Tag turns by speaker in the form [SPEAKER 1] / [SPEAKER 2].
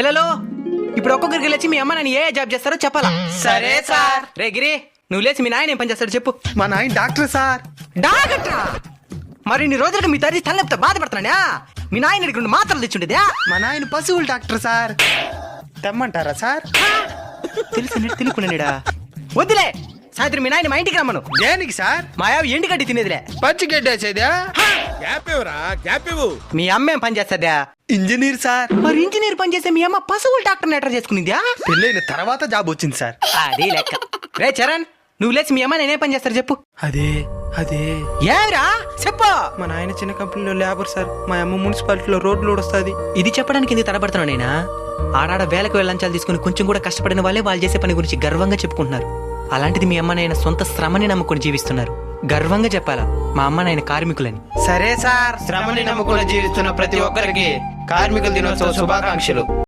[SPEAKER 1] పిల్లలు ఇప్పుడు ఒక్కొక్కరికి లేచి మీ అమ్మ నాన్న ఏ జాబ్ చేస్తారో చెప్పాలా?
[SPEAKER 2] సరే సార్.
[SPEAKER 1] రే గిరి, నువ్వు లేచి మీ నాయన ఏం పని చేస్తాడు చెప్పు.
[SPEAKER 3] మా నాయన డాక్టర్ సార్.
[SPEAKER 1] డాక్టరా? మరి ఇన్ని రోజులకు మీ తల్లి తలనొప్పితో బాధపడుతున్నాడా? మీ నాయన ఇక్కడ మాత్రలు తెచ్చుండేదా?
[SPEAKER 3] మా నాయన పశువుల డాక్టర్ సార్. తెమ్మంటారా సార్?
[SPEAKER 1] తెలిసినట్టు తినుకున్నాడా? వద్దులే, సాయంత్రం మీ నాయన మా ఇంటికి రమ్మను.
[SPEAKER 3] దేనికి సార్?
[SPEAKER 1] మాయావి ఎండు గడ్డి తినేదిలే.
[SPEAKER 3] పచ్చి గడ్డేసేదా?
[SPEAKER 4] గ్యాప్ ఇవ్వు.
[SPEAKER 1] మీ అమ్మ ఏం పని చేస్తుందా?
[SPEAKER 3] Engineer sir.
[SPEAKER 1] మరి ఇంజనీర్ పని చేసే మీ అమ్మ పశువుల డాక్టర్ ఎట్లా చేసుకునిందా?
[SPEAKER 3] పెళ్ళైన తర్వాత జాబ్ వచ్చింది సార్.
[SPEAKER 1] అది లెక్క. రే చరణ్, నువ్వు లేచి మీ అమ్మ నేనే పని చేస్తారు చెప్పు.
[SPEAKER 3] అదే
[SPEAKER 1] ఏమిరా చెప్పు.
[SPEAKER 3] మా నాయన చిన్న కంపెనీలో లేబర్ సార్. మా అమ్మ మున్సిపాలిటీలో రోడ్లు ఊడొస్తుంది.
[SPEAKER 1] ఇది చెప్పడానికి ఎందుకు తడబడుతున్నావు నేనా? ఆడాడ వేలకు వెళ్ళంచాలు తీసుకుని కొంచెం కూడా కష్టపడిన వాళ్ళే వాళ్ళు చేసే పని గురించి గర్వంగా చెప్పుకుంటున్నారు. అలాంటిది మీ అమ్మ నాయన సొంత శ్రమని నమ్ముకొని జీవిస్తున్నారు. గర్వంగా చెప్పాలా మా అమ్మ నాయన కార్మికులని.
[SPEAKER 3] సరే సార్.
[SPEAKER 2] శ్రమని నమ్ముకుని జీవిస్తున్న ప్రతి ఒక్కరికి కార్మికుల దినోత్సవ శుభాకాంక్షలు.